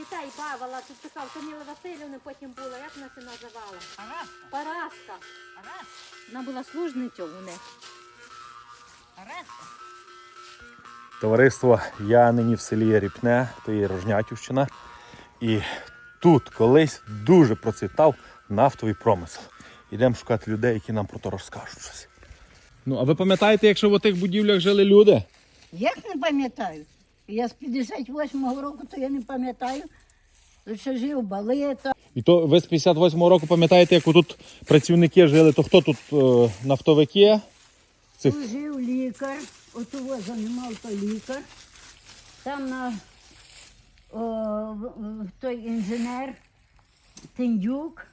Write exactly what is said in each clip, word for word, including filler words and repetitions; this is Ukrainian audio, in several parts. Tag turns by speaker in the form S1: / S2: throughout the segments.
S1: дітей бавила, тут така Таміла Васильівна потім була, як вона це називала?
S2: Параска.
S1: Параска.
S2: Параска.
S1: Вона була служницею у них.
S2: Параска.
S3: Товариство, я нині в селі Ріпне, то є Рожнятівщина. І тут колись дуже процвітав нафтовий промисел. Йдемо шукати людей, які нам про то розкажуть щось. Ну, а ви пам'ятаєте, якщо в тих будівлях жили люди?
S2: Як не пам'ятаю? Я з п'ятдесят восьмого року, то я не пам'ятаю. Тут ще жив Балета.
S3: І то ви з п'ятдесят восьмого року пам'ятаєте, як тут працівники жили, то хто тут е, нафтовики? Цих...
S2: Тут жив лікар, от його займав той лікар. Там на о, в- в- той інженер Тендюк.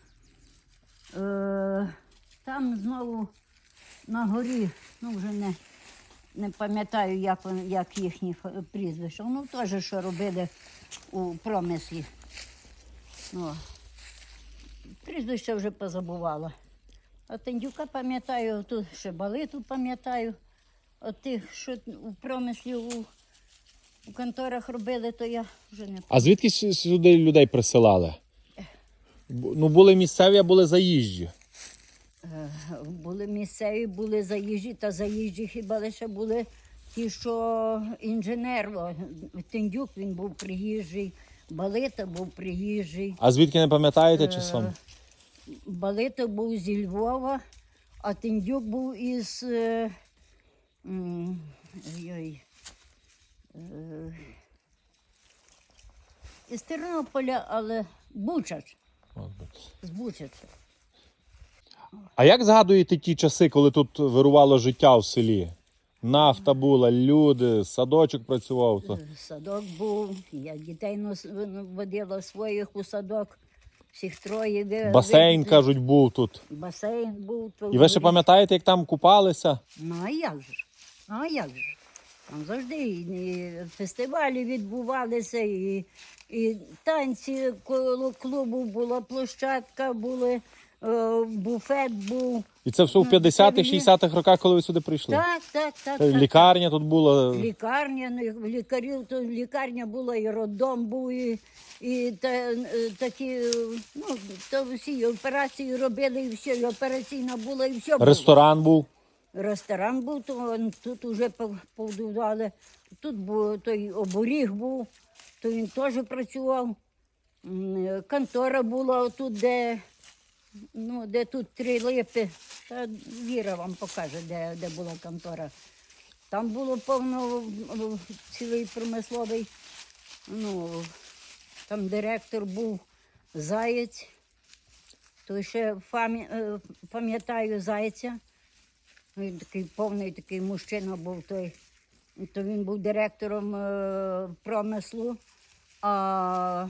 S2: Е, там знову на горі, ну вже не, не пам'ятаю, як, вони- як їхні фа- прізвища. Ну теж, що робили у промислі. Ну, прізвище вже позабувала. А Тендюка пам'ятаю, тут ще Балиту пам'ятаю. От тих, що у промислі у, у конторах робили, то я вже не
S3: А звідки сю- сюди людей присилали? Бу- Ну, були місцеві, а були заїжджі.
S2: Е, були місцеві, були заїжджі, та заїжджі хіба лише були ті, що інженер. О, Тендюк, він був приїжджий, Балита був приїжджий.
S3: А звідки не пам'ятаєте часом?
S2: Балита був зі Львова, а Тендюк був із е, м, ой, е, із Тернополя, але Бучач, з Бучача.
S3: А як згадуєте ті часи, коли тут вирувало життя в селі? Нафта була, люди, садочок працював. То...
S2: Садок був, я дітей нос- водила своїх у садок, всіх троє. ви-
S3: Басейн,
S2: ви-
S3: кажуть, був тут.
S2: Басейн був. то
S3: І ви ще
S2: горі.
S3: пам'ятаєте, як там купалися?
S2: Ну, а як же? Ну, а як же? Там завжди і фестивалі відбувалися, і, і танці коло клубу була, площадка були, е, буфет був.
S3: І це все в
S2: Ну,
S3: п'ятдесятих,
S2: це
S3: шістдесятих роках, коли ви сюди прийшли?
S2: Так, так, так.
S3: Та й
S2: так.
S3: Лікарня тут була.
S2: Лікарня, ну, лікарів, то лікарня була, і роддом був, і, і та, е, такі, е, ну, то всі операції робили, і все, і операційна була, і все було.
S3: Ресторан був.
S2: Ресторан був, то тут вже побудували. Тут був той оборіг був, то він теж працював. М, Контора була тут, де, ну, де тут три липи. Та Віра вам покаже, де, де була контора. Там було повно м, цілий промисловий. Ну, там директор був Заєць. То ще пам'я- е, пам'ятаю Зайця. Він такий повний такий мужчина був той. То він був директором е, промислу. А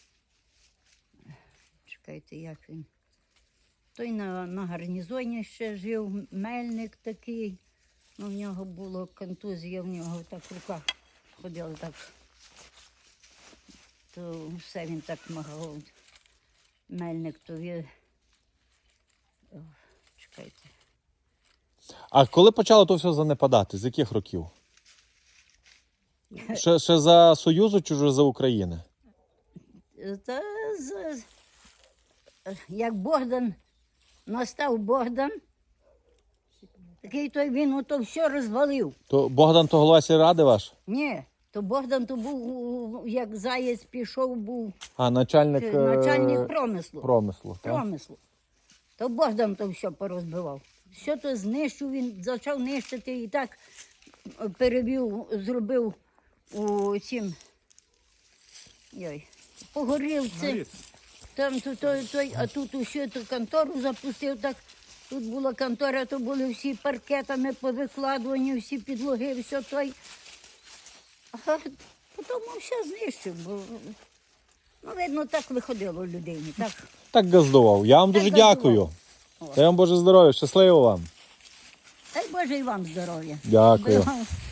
S2: чекайте, як він. Той на, на гарнізоні ще жив, мельник такий. Ну, в нього було контузія, в нього так в руках ходили так. То все він так махав. Мельник, то він. О, чекайте.
S3: А коли почало то все занепадати? З яких років? Ще, ще за Союзу чи вже за України?
S2: Та, з- як Богдан, настав Богдан, такий той він ото все розвалив.
S3: То Богдан то голова сільради ваш?
S2: Ні, то Богдан то був, у- як Заєць пішов, був
S3: А, начальник,
S2: е,
S3: е,
S2: начальник промислу.
S3: промислу. так?
S2: промислу. То Богдан то все порозбивав. Все то знищив, він почав нищити і так е, перевів, зробив у цім, йой, по горілці. Там то, то, той, а тут усю ту контору запустив, так тут була контора, то були всі паркетами повикладувані, всі підлоги, все той. А потім все знищив, бо, ну, видно, так виходило людині. Так.
S3: Так газдував. Я вам
S2: Так
S3: дуже
S2: газдував.
S3: дякую.
S2: О.
S3: Дай вам Боже здоров'я, щасливо вам.
S2: Дай Боже і вам здоров'я.
S3: Дякую.
S2: Бо-